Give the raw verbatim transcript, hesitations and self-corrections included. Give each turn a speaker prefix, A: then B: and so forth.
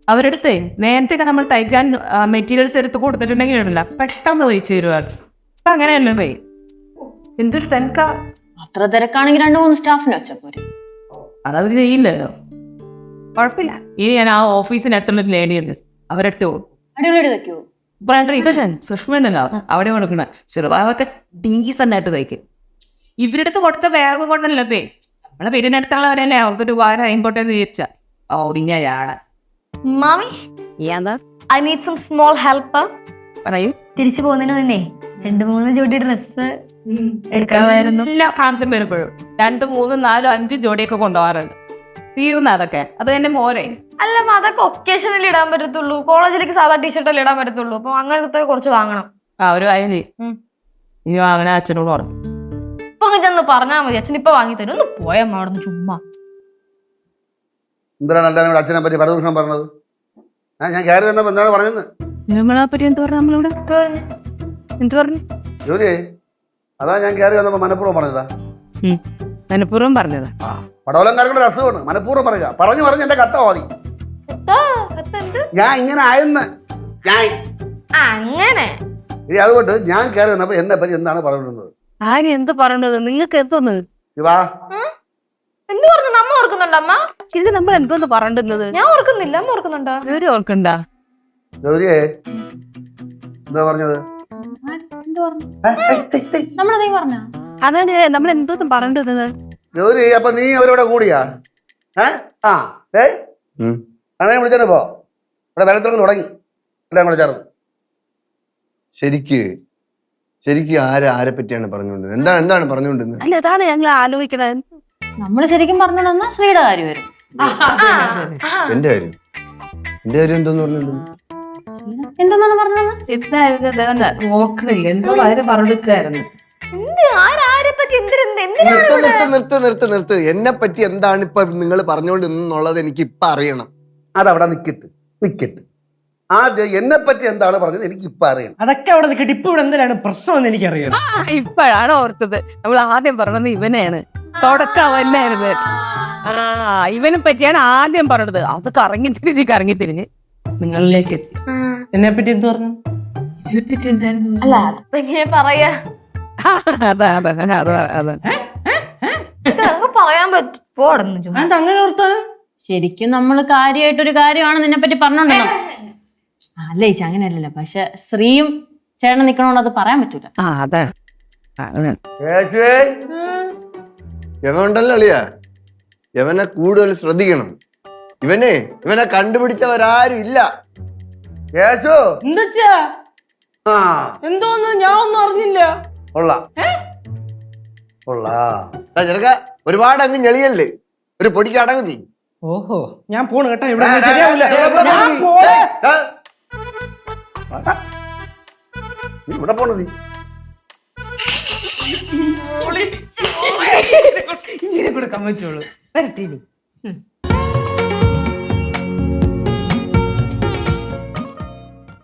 A: അവരെടുത്തേ നേരത്തെ നമ്മൾ തയ്ക്കാൻ മെറ്റീരിയൽസ് എടുത്ത് കൊടുത്തിട്ടുണ്ടെങ്കിലല്ല പെട്ടെന്ന് തയ്ച്ചു തരുവാണ്. അപ്പൊ അങ്ങനെയല്ലേ പോയി എന്തൊരു തിരക്ക.
B: അത്ര തിരക്കാണെങ്കിൽ രണ്ടു മൂന്ന് സ്റ്റാഫിനെ വെച്ചാ പോരെ.
A: അതവര് ചെയ്യില്ലല്ലോ. കുഴപ്പമില്ല. ഇനി ഞാൻ ആ ഓഫീസിനടുത്തുള്ള ലേഡിയുണ്ട്, അവരെടുത്ത് പോകും.
B: അടിപൊളിയായിട്ട് തയ്ക്കുവോ?
A: സുഷ്മണ്ടല്ലോ അവിടെ കൊടുക്കണ ചെറുപാവൊക്കെ ഡീസന്റ് ആയിട്ട് തയ്ക്കും. ഇവരുടെ അടുത്ത് കൊടുത്ത വേറെ കൊണ്ടല്ലോ പേ നമ്മളെ പേരിനടുത്തുള്ളവരല്ലേ അവർക്കൊരു ഉപകാരം ആയിക്കോട്ടെ എന്ന് വിചാരിച്ച ഓടിഞ്ഞയാണ്.
C: മാമി, I need some small help.
A: പറയൂ.
C: തിരിച്ചു പോകുന്നതിന് മുന്നേ രണ്ട് മൂന്ന് ജോഡി ഡ്രസ്സ്
A: എടുക്കാമായിരുന്നു. എല്ലാ ഫാൻസും വരുമ്പോഴും രണ്ടും മൂന്നും നാലും അഞ്ചും ജോഡിയൊക്കെ കൊണ്ടുപോകാറുണ്ട്. തീർന്ന അതൊക്കെ അത് തന്നെ മോരെ.
C: അല്ല, അതൊക്കെ ഒക്കേഷനിൽ ഇടാൻ പറ്റത്തുള്ളൂ. കോളേജിലേക്ക് സാധാ ടീഷർട്ടല്ലേ ഇടാൻ പറ്റത്തുള്ളൂ. അപ്പൊ അങ്ങനത്തെ കുറച്ച് വാങ്ങണം.
A: ആ ഒരു കാര്യം ഇനി വാങ്ങണ അച്ഛനോട് പറഞ്ഞു.
C: ഇപ്പൊ അങ്ങ് ചെന്ന് പറഞ്ഞാൽ മതി, അച്ഛൻ ഇപ്പൊ വാങ്ങി തരും. ഒന്ന് പോയമ്മ അവിടെ നിന്ന് ചുമ്മാ.
D: എന്തിനാണ് എല്ലാവരും അച്ഛനെ പറ്റി പരദൂഷണം പറഞ്ഞത്? ഞാൻ കയറി വന്നപ്പോ എന്താണ് പറഞ്ഞത്?
A: നമ്മളെ പറ്റി എന്ത് പറഞ്ഞു? നമ്മളിവിടെ എന്ത് പറഞ്ഞു?
D: ജോലിയെ അതാ ഞാൻ കയറി വന്നപ്പോ മനഃപൂർവ്വം പറഞ്ഞതാ.
A: മനഃപൂർവ്വം പറഞ്ഞതാ.
D: ആ പടവലംകാർക്കുള്ള ഒരു അസുഖമാണ്, മനഃപൂർവ്വം പറയുക. പറഞ്ഞു പറഞ്ഞ് എന്റെ കട്ട മതി. ഞാൻ ഇങ്ങനെ ആയെന്ന് ഞാൻ
C: അങ്ങനെ
D: ഇനി അതുകൊണ്ട് ഞാൻ കയറി വന്നപ്പോ എന്നെ പറ്റി എന്താണ് പറഞ്ഞിരുന്നത്?
A: ആര് എന്ത് പറഞ്ഞത്? നിങ്ങൾക്ക് എന്തോന്ന്
D: ശിവാ
C: എന്ത് പറഞ്ഞു? നമ്മ ഓർക്കുന്നുണ്ടോ അമ്മ?
A: ഇത് നമ്മൾ എന്തോന്ന് പറഞ്ഞിരുന്നത്?
C: ഞാൻ ഓർക്കുന്നില്ല. അമ്മ ഓർക്കുന്നുണ്ടോ?
A: ഇവര് ഓർക്കണ്ട.
D: ഗൗരിയെ എന്താ പറഞ്ഞത്?
B: നമ്മളതേ പറഞ്ഞ
A: അതാണ് നമ്മൾ എന്തോന്ന് പറഞ്ഞിരുന്നത്.
D: ഗൗരി അപ്പൊ നീ അവരോടെ കൂടിയാ? ഏഹ് ആ ഏ അണേ വിളിച്ചോ പോ. ഇവിടെ വെള്ളത്തിലൊക്കെ തുടങ്ങി എല്ലാം കൂടെ ചേർന്ന്.
E: ശരിക്ക് ശരിക്കും ആരെ ആരെ പറ്റിയാണ് പറഞ്ഞുകൊണ്ടിരുന്നത്? എന്താണ് എന്താണ് പറഞ്ഞുകൊണ്ടിരുന്നത്?
A: അല്ല അതാണ് ഞങ്ങൾ ആലോചിക്കണത്.
B: നമ്മള് ശരിക്കും പറഞ്ഞോണ്ടെന്നാ ശ്രീയുടെ കാര്യം വരും.
E: എന്റെ കാര്യം എന്റെ കാര്യം എന്തോന്ന് പറഞ്ഞോണ്ടിരുന്നു?
B: എന്തോന്നാണ് പറഞ്ഞത്?
A: എന്തായിരുന്നു നോക്കണില്ല, എന്തോ കാര്യം പറഞ്ഞെടുക്കായിരുന്നു.
E: നിർത്ത് നിർത്ത് നിർത്ത് നിർത്ത് നിർത്ത് എന്നെ പറ്റി എന്താണ് ഇപ്പൊ നിങ്ങൾ പറഞ്ഞുകൊണ്ടിരുന്നുള്ളത് എനിക്ക് ഇപ്പൊ അറിയണം.
D: അതവിടെ നിക്കട്ട് നിക്കട്ട് ആദ്യം എന്നെ പറ്റി എന്താണ് പറഞ്ഞത് എനിക്ക് ഇപ്പൊ അറിയണം.
F: അതൊക്കെ അവിടെ നിൽക്കട്ടെ. ഇപ്പൊ ഇവിടെ എന്തിനാണ് പ്രശ്നം എന്ന് എനിക്കറിയണം.
A: ഇപ്പോഴാണ് ഓർത്തത്. നമ്മൾ ആദ്യം പറഞ്ഞത് ഇവനെയാണ്. തുടക്കമല്ലായിരുന്നു. ആ ഇവനെ പറ്റിയാണ് ആദ്യം പറഞ്ഞത്. അത് കറങ്ങി തിരിഞ്ഞ് കറങ്ങി തിരിഞ്ഞ് നിങ്ങളിലേക്ക് എത്തി.
F: എന്നെ പറ്റി എന്ത് പറഞ്ഞു?
C: അല്ല എങ്ങനെ പറയാ?
A: അതാ അതാ അതാ അതാ
C: പറയാൻ പറ്റും.
F: അങ്ങനെ ഓർത്താണ്.
B: ശരിക്കും നമ്മള് കാര്യമായിട്ടൊരു കാര്യമാണ് നിന്നെ പറ്റി പറഞ്ഞോണ്ടല്ലോ. അല്ല ചേച്ചി അങ്ങനെയല്ലല്ലോ. പക്ഷെ ശ്രീയും ചേട്ടൻ നിക്കണോണ്ട് അത് പറയാൻ പറ്റൂല.
A: ആ അതാ
E: യവനുണ്ടല്ലോ അളിയാ, യവനെ കൂടുതൽ ശ്രദ്ധിക്കണം. ഇവനെ ഇവനെ കണ്ടുപിടിച്ചവരാരും ഇല്ല.
D: യേശു
F: എന്താ
D: ആ
F: എന്തോന്ന് ഞാൻ ഒന്നും അറിഞ്ഞില്ല.
E: ചെറുക്ക ഒരുപാട് അങ്ങ് ഞെളിയല്ലേ, ഒരു പൊടിക്ക് അടങ്ങും നീ.
F: ഓഹോ ഞാൻ പോണ് കേട്ടോ. ഇവിടെ ശരിയാവില്ല.
D: ഇവിടെ പോണ നീ
A: ഇങ്ങനെ കൊടുക്കാൻ പറ്റുള്ളൂ. വരട്ടെ.